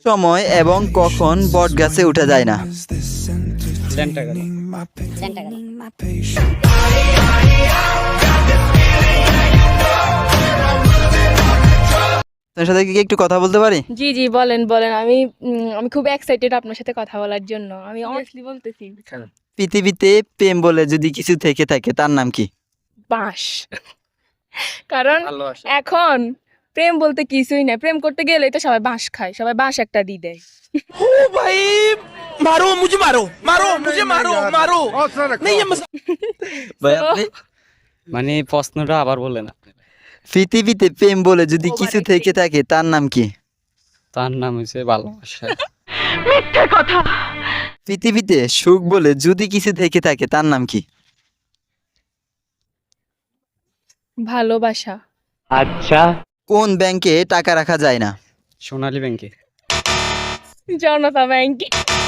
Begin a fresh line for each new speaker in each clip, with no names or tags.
সময় এবং কখন বটগাছে উঠা যায় না?
ল্যাংটা গেল।
আপনার সাথে কি একটু কথা বলতে পারি?
জি জি বলেন বলেন। আমি খুব এক্সাইটেড আপনার সাথে কথা বলার জন্য। আমি অনেস্টলি বলতেছি,
পৃথিবীতে প্রেম বলে যদি কিছু থেকে থাকে তার নাম কি?
বাঁশ। কারণ
ভালোবাসা।
এখন প্রেম বলতে কিছুই না, প্রেম করতে গেলেই তো সবাই বাঁশ খায়, সবাই বাঁশ একটা দিয়ে দেয়।
भाई मारो मुझे मारो मारो मुझे मारो मारो नहीं ये
ভাই আপনি?
মানে প্রশ্নটা আবার বললেন আপনি।
পৃথিবীতে প্রেম বলে যদি কিছু থেকে থাকে তার নাম কি?
তার নাম হচ্ছে ভালোবাসা।
পৃথিবীতে সুখ বলে যদি কিছু থেকে থাকে তার নাম কি?
ভালোবাসা।
কোন ব্যাংকে টাকা রাখা যায় না?
সোনালী ব্যাংকে।
জনতা ব্যাংকে।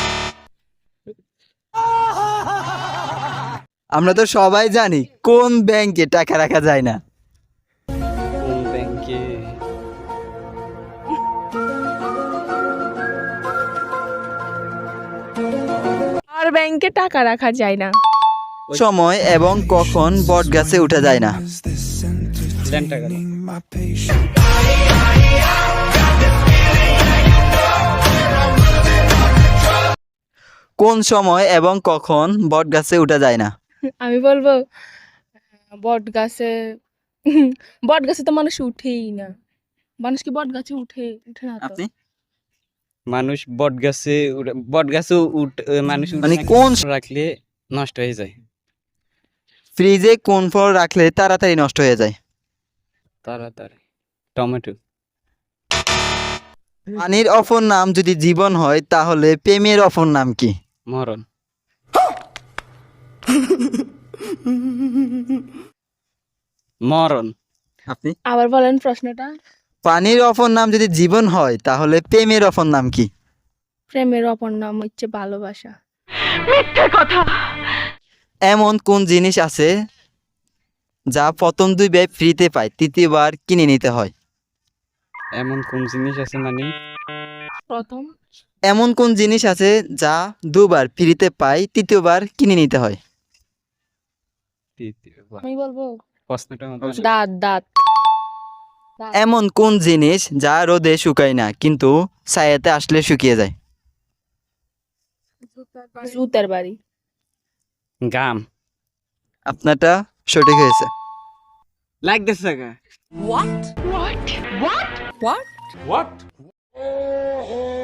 আমরা তো সবাই জানি কোন ব্যাংকে টাকা রাখা যায় না।
কোন ব্যাংকে?
আর ব্যাংকে টাকা রাখা যায় না।
সময় এবং কখন বটগাছে উঠা যায় না?
ল্যাংটা গেল।
কোন সময় এবং কখন বটগাছে উঠা যায় না?
আমি বলবো বট গাছে। বট গাছে তো মানুষ উঠেই না। মানুষ কি বট গাছে উঠে উঠে না তো।
আপনি?
মানুষ বট গাছে মানুষ
মানে কোন
রাখলে নষ্ট হয়ে যায়।
ফ্রিজে কোন ফল রাখলে তাড়াতাড়ি নষ্ট হয়ে যায়?
তাড়াতাড়ি। টমেটো।
পানির অপর নাম যদি জীবন হয় তাহলে প্রেমের অপর নাম কি?
মরণ। মরণ।
আপনি?
আবার বলেন প্রশ্নটা।
পানির অপর নাম যদি জীবন হয় তাহলে প্রেমের অপর নাম কি?
প্রেমের অপর নাম হচ্ছে ভালোবাসা।
এমন কোন জিনিস আছে যা প্রথম দুইবার ফ্রিতে পায় তৃতীয়বার কিনে নিতে হয়?
এমন কোন জিনিস আছে মানে?
প্রথম
এমন কোন জিনিস আছে যা দুবার ফ্রিতে পায় তৃতীয়বার কিনে নিতে হয়?
তৃতীয়বার।
আমি বলবো
প্রশ্নটা আমাকে
দাঁত দাঁত।
এমন কোন জিনিস যা রোদে শুকায় না কিন্তু ছায়াতে আসলে শুকিয়ে যায়?
জুতার বাড়ি।
গাম।
আপনারটা সঠিক হয়েছে।
Like this
what